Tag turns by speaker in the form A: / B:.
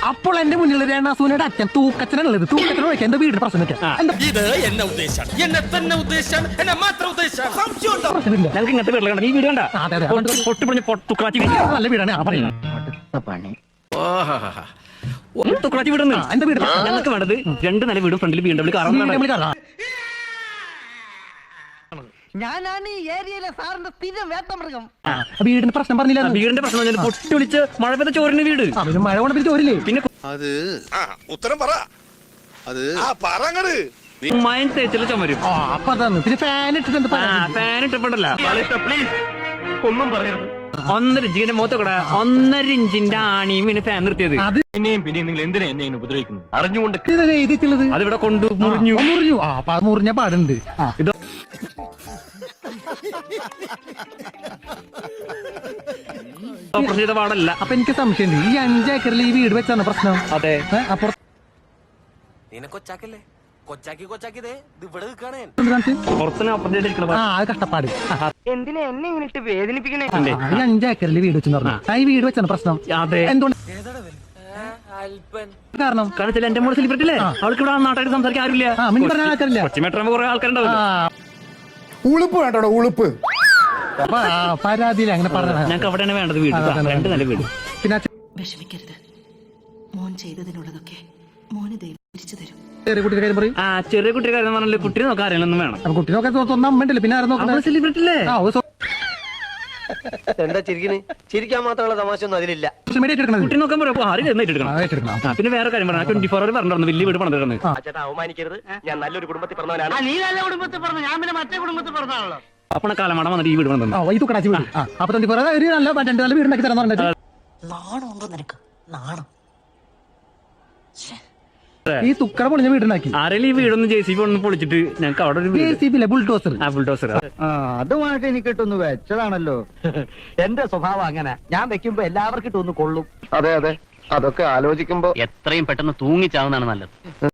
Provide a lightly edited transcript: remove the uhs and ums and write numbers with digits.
A: അപ്പോൾ എന്റെ മുന്നിൽ രേണാസൂനയുടെ അച്ഛൻ തൂക്കച്ചനുള്ളത് തൂക്കച്ചനെ വിളിക്കാൻ എന്റെ വീടിന് പ്രശ്നം
B: ഇത് എന്നെ ഉദ്ദേശം എന്നെ തന്നെ ഉദ്ദേശം എന്നെ മാത്രം ഉദ്ദേശം
A: പ്രശ്നമില്ല.
C: ഞങ്ങൾക്ക് ഇങ്ങനത്തെ വീട്ടിൽ കണ്ട ഈ വീട് കണ്ട
A: അതെ, അതെ.
C: പൊട്ടിപ്പൊളിഞ്ഞ് തുക്കളാച്ചി
A: നല്ല വീടാണ് ആ പറയുന്നത്
C: തുക്കളാച്ചി വീടുന്നു
A: എന്റെ വീട്
C: ഞങ്ങൾക്ക് വേണ്ടത് 2 നില വീടും ഫ്രണ്ടിൽ BMW കാറും
D: ഞാനാണ് ഈ ഏരിയയിലെ സാറിന്റെ സ്ഥിരം വേട്ടമൃഗം.
A: വീടിന് പ്രശ്നം പറഞ്ഞില്ല
C: വീടിന്റെ പ്രശ്നം പറഞ്ഞാൽ പൊട്ടി വിളിച്ച് മഴ പെയ്ത ചോറിന് വീട്
A: പിന്നെ മഴ കൊണ്ട് പിടിച്ച് ഓരില്ലേ
C: പിന്നെ
E: അത് ഉത്തരം പറ അത് പറങ്ങട്
C: മയം തേച്ചില് ചുമരും
A: അപ്പൊ അതാണ് പിന്നെ ഫാൻ ഇട്ടിട്ട്
C: ഫാൻ ഇട്ടപ്പോണ്ടല്ല ഒന്നും പറയരുത് 1.5 ഇഞ്ചിന്റെ മുഖത്തൊക്കെ 1.5 ഇഞ്ചിന്റെ ആണിയും പിന്നെ ഫാൻ നിർത്തിയത്
A: അത്
C: പിന്നെയും നിങ്ങൾ എന്തിനാ എന്നെ ഉപദ്രവിക്കുന്നു അറിഞ്ഞുകൊണ്ട്
A: എഴുതിച്ചുള്ളത്
C: അതിവിടെ കൊണ്ടു മുറിഞ്ഞു
A: മുറിഞ്ഞു മുറിഞ്ഞ പാടുണ്ട്
C: ഇത് ഓപ്പറേഷൻ ചെയ്ത പാടല്ല
A: അപ്പൊ എനിക്ക് സംശയമുണ്ട് ഈ 5 ഏക്കറിൽ ഈ വീട് വെച്ചാണ് പ്രശ്നം
C: അതെ
A: അപ്പൊ
C: പുറത്തുനിന്ന് ഓപ്പറേഷൻ ചെയ്തിരിക്കണ
A: അത് കഷ്ടപ്പാട്
D: എന്തിനാ എന്നെ ഇങ്ങനെ വേദനിപ്പിക്കണേ?
A: ഈ 5 ഏക്കറിൽ വീട് വെച്ചെന്ന് പറഞ്ഞു ഈ വീട് വെച്ചാണ് പ്രശ്നം
C: അതെ
A: എന്തുകൊണ്ട് കാരണം
C: കാരണം വെച്ചാൽ എന്റെ മോള് സെലിബ്രിറ്റി അല്ലേ അവൾക്ക് ഇവിടെ നാട്ടായിട്ട് സംസാരിക്കാൻ ആരുമില്ല
A: മിനി പറഞ്ഞ ആൾക്കാരില്ല
C: കൊച്ചിമേട്ടറാകുമ്പോ കുറെ ആൾക്കാരുണ്ടാവില്ല
F: ഉളുപ്പ് വേണ്ടോ ഉളുപ്പ്
A: അപ്പൊ പരാതിയില്ല അങ്ങനെ പറഞ്ഞ
C: ഞങ്ങൾക്ക് അവിടെയാണ് വേണ്ടത് വീട് 2 നില വീട്
A: പിന്നെ
G: വിഷമിക്കരുത്. മോൻ ചെയ്തതിനുള്ളതൊക്കെ മോന് ദൈവം തിരിച്ചു തരും.
A: ചെറിയ കുട്ടിയുടെ കാര്യം പറയും
C: ചെറിയ കുട്ടിയുടെ കാര്യം പറഞ്ഞാൽ കുട്ടിയെ നോക്കാൻ അറിയണമെന്നും വേണം
A: അപ്പൊ കുട്ടി നോക്കാൻ സ്വന്തം അമ്മ ഉണ്ടല്ലോ പിന്നെ ആരും നോക്കണം
C: സെലിബ്രിറ്റി അല്ലേ
H: എന്താ ചിരിക്കണ്? ചിരിക്കാൻ മാത്രമുള്ള തമാശ ഒന്നും അതിലില്ല.
A: സോഷ്യൽ മീഡിയ എടുക്കണത്
C: കുട്ടി നോക്കാൻ പറയുമ്പോൾ ആരും എടുക്കണം പിന്നെ വേറെ കാര്യം പറഞ്ഞാൽ 24 hour പറഞ്ഞിരുന്നു വലിയ വീട് പണിതിരുന്നു
H: ചേട്ടാ അവമാനിക്കരുത്. ഞാൻ നല്ലൊരു കുടുംബത്തിൽ പറഞ്ഞവനാണ്.
D: നീ നല്ല കുടുംബത്തിൽ പറഞ്ഞു, ഞാൻ പിന്നെ മറ്റേ കുടുംബത്തിൽ പറഞ്ഞാണല്ലോ.
C: അപ്പണ കാലമാണ് വന്നിട്ട് ഈ വീട് പണിതന്നു
A: ഈ തുക്കടാച്ചി വീട് അപ്പൊ 24 ഒരു നല്ല 2 നല്ല വീടുണ്ടാക്കി തരാന്ന് പറഞ്ഞിട്ട്
G: നാണമുണ്ടോ നിനക്ക്? നാണം.
A: ഈ തുക്കട പൊളിഞ്ഞ വീടുണ്ടാക്കി
C: ആരെങ്കിലും ഈ വീടൊന്ന് JCB ഒന്ന് പൊളിച്ചിട്ട് ഞങ്ങൾക്ക് അവിടെ ഒരു
A: JCB ബുൾഡോസർ
C: ബുൾഡോസർ
D: അതുമായിട്ട് എനിക്ക് ഇട്ടൊന്ന് വെച്ചതാണല്ലോ. എന്റെ സ്വഭാവം അങ്ങനെ, ഞാൻ വെക്കുമ്പോ എല്ലാവർക്കും ഇട്ടൊന്ന് കൊള്ളും.
H: അതെ അതെ, അതൊക്കെ ആലോചിക്കുമ്പോ
C: എത്രയും പെട്ടെന്ന് തൂങ്ങിച്ചാവുന്നതാണ് നല്ലത്.